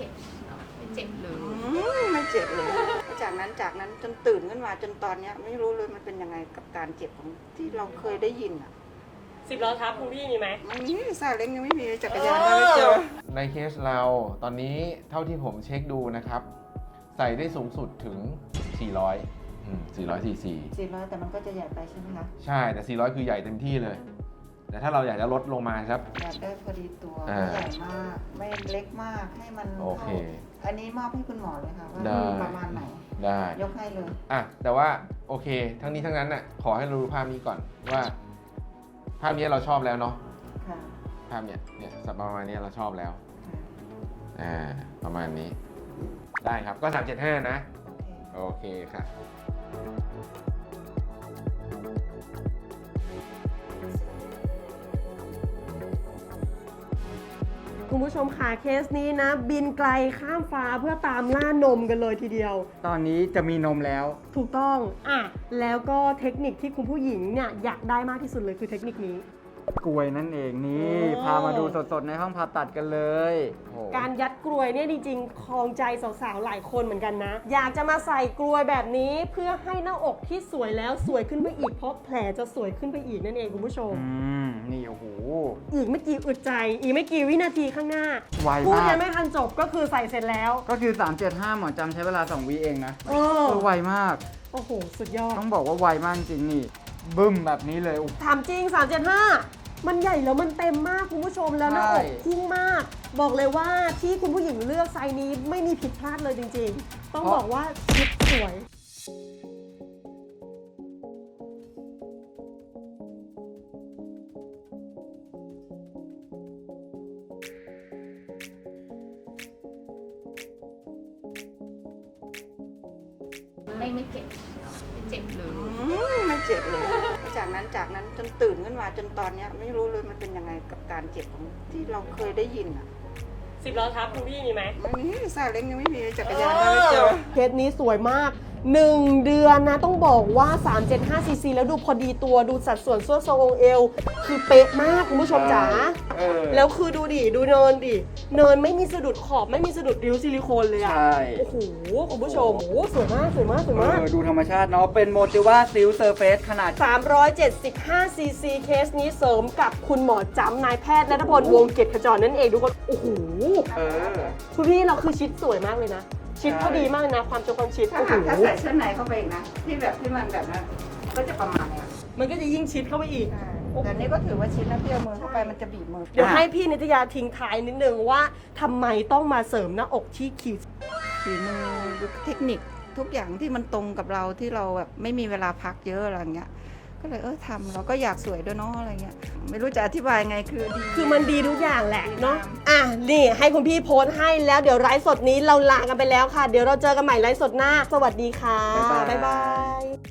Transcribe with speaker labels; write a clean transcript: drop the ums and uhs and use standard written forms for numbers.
Speaker 1: จ็บไม่เจ็บเลย
Speaker 2: ไม่เจ็บเลยจากนั้นจนตื่นขึ้นมาจนตอนนี้ไม่รู้เลยมันเป็นยังไงกับการเจ็บของที่เราเคยได้ยินอ่ะ
Speaker 3: 10 ล้อทับคุณพี่มีไหม
Speaker 2: ไม่มีซาเล้งยังไม่มีจักรยานก็ไม่เจอ
Speaker 4: ในเคสเราตอนนี้เท่าที่ผมเช็คดูนะครับ ใส่ได้สูงสุดถึง 400 cc
Speaker 2: 400แต่มันก็จะใหญ่ไปใช่ไหมคะ
Speaker 4: ใช่แต่400คือใหญ่เต็มที่เลยแต่ถ้าเราอยากจะลดลงมาครับ
Speaker 2: อยากได้พอดีตัวไม่ใหญ่มากไม่เล็กมากให้มัน
Speaker 4: โอเค
Speaker 2: อันนี้มอบให้คุณหมอเลยค่ะว่าประมาณไหน
Speaker 4: ได้
Speaker 2: ยกให้เลย
Speaker 4: แต่ว่าโอเคทั้งนี้ทั้งนั้นน่ะขอให้เราดูภาพนี้ก่อนว่าภาพนี้เราชอบแล้วเนาะภาพเนี่ยประมาณนี้เราชอบแล้วประมาณนี้ได้ครับก็375นะโอเคค่ะ
Speaker 3: คุณผู้ชมค่ะเคสนี้นะบินไกลข้ามฟ้าเพื่อตามล่านมกันเลยทีเดียว
Speaker 5: ตอนนี้จะมีนมแล้ว
Speaker 3: ถูกต้องแล้วก็เทคนิคที่คุณผู้หญิงเนี่ยอยากได้มากที่สุดเลยคือเทคนิคนี้
Speaker 5: กลวยนั่นเองนี่พามาดูสดๆในห้องผ่าตัดกันเลย
Speaker 3: การยัดกลวยเนี่ยจริงๆคลองใจสาวๆหลายคนเหมือนกันนะอยากจะมาใส่กลวยแบบนี้เพื่อให้หน้าอกที่สวยแล้วสวยขึ้นไปอีกเพราะแผลจะสวยขึ้นไปอีกนั่นเองคุณผู้ชม
Speaker 5: นี่โอ้โห
Speaker 3: อีกไม่กี่อึดใจอีกไม่กี่วินาทีข้างหน้า
Speaker 5: ไวมาก
Speaker 3: พูดยังไม่ทันจบก็คือใส่เสร็จแล้ว
Speaker 5: ก็คือ375หมอจำใช้เวลา2 วิเองนะไวมาก
Speaker 3: โอ้โหสุดยอด
Speaker 5: ต้องบอกว่าไวมากจริงนี่บึ้มแบบนี้เลย
Speaker 3: ถามจริง375มันใหญ่แล้วมันเต็มมากคุณผู้ชมแล้วหน้าอกพุ่งมากบอกเลยว่าที่คุณผู้หญิงเลือกไซส์นี้ไม่มีผิดพลาดเลยจริงๆต้องบอกว่าชุดสวย
Speaker 1: ไม่เจ็บไม่เจ็บเลย
Speaker 2: ไม่เจ็บเลยจากนั้นจนตื่นขึ้นมาจนตอนนี้ไม่รู้เลยมันเป็นยังไงกับการเจ็บของที่เราเคยได้ยินอ่ะ
Speaker 3: 10 ล้อทับคุณพี่มีไหม
Speaker 2: ไม่มีซาเล้งยังไม่มีจักรยานก็ไม่เจอ
Speaker 3: เคสนี้สวยมาก1 เดือนนะต้องบอกว่า375 cc แล้วดูพอดีตัวดูสัดส่วนส่วนทรงองค์เอวคือเป๊ะมากคุณผู้ชมจ๋าแล้วคือดูดิดูเนินไม่มีสะดุดขอบไม่มีสะดุดริ้วซิลิโคนเลยอ่ะโอ้โหคุณผู้ชมสวยมาก
Speaker 5: ดูธรรมชาติเนาะเป็นโมติว่าซิลเซอร์เฟสขนาด
Speaker 3: 375 cc เคสนี้เสริมกับคุณหมอจำนายแพทย์ณัฐพลวงศ์เกียรติขจรนั่นเองทุกคนโอ้โหคุณพี่เราคือชิดสวยมากเลยนะชิดพอดีมากนะความชิด
Speaker 2: ถ้าใส่เสื้อในเข้าไปอีกนะที่มันแบบนั้นก็จะประมาณนี้
Speaker 3: มันก็จะยิ่งชิดเข้าไปอีก
Speaker 2: แต่นี้ก็ถือว่าชิดนะเที่ยวมือเข้าไปมันจะบีบมือ
Speaker 3: เดี๋ยวให้พี่นิตยาทิ้งท้ายนิดนึงว่าทำไมต้องมาเสริมหน้าอกที่
Speaker 2: ฝีมือเทคนิคทุกอย่างที่มันตรงกับเราที่เราแบบไม่มีเวลาพักเยอะอะไรเงี้ยก็เลยทำเราก็อยากสวยด้วยเนาะอะไรเงี้ยไม่รู้จะอธิบายไง
Speaker 3: คือมันดีทุกอย่างแหละเนาะนี่ให้คุณพี่โพสต์ให้แล้วเดี๋ยวไลฟ์สดนี้เราลากันไปแล้วค่ะเดี๋ยวเราเจอกันใหม่ไลฟ์สดหน้าสวัสดีค่ะบ๊ายบาย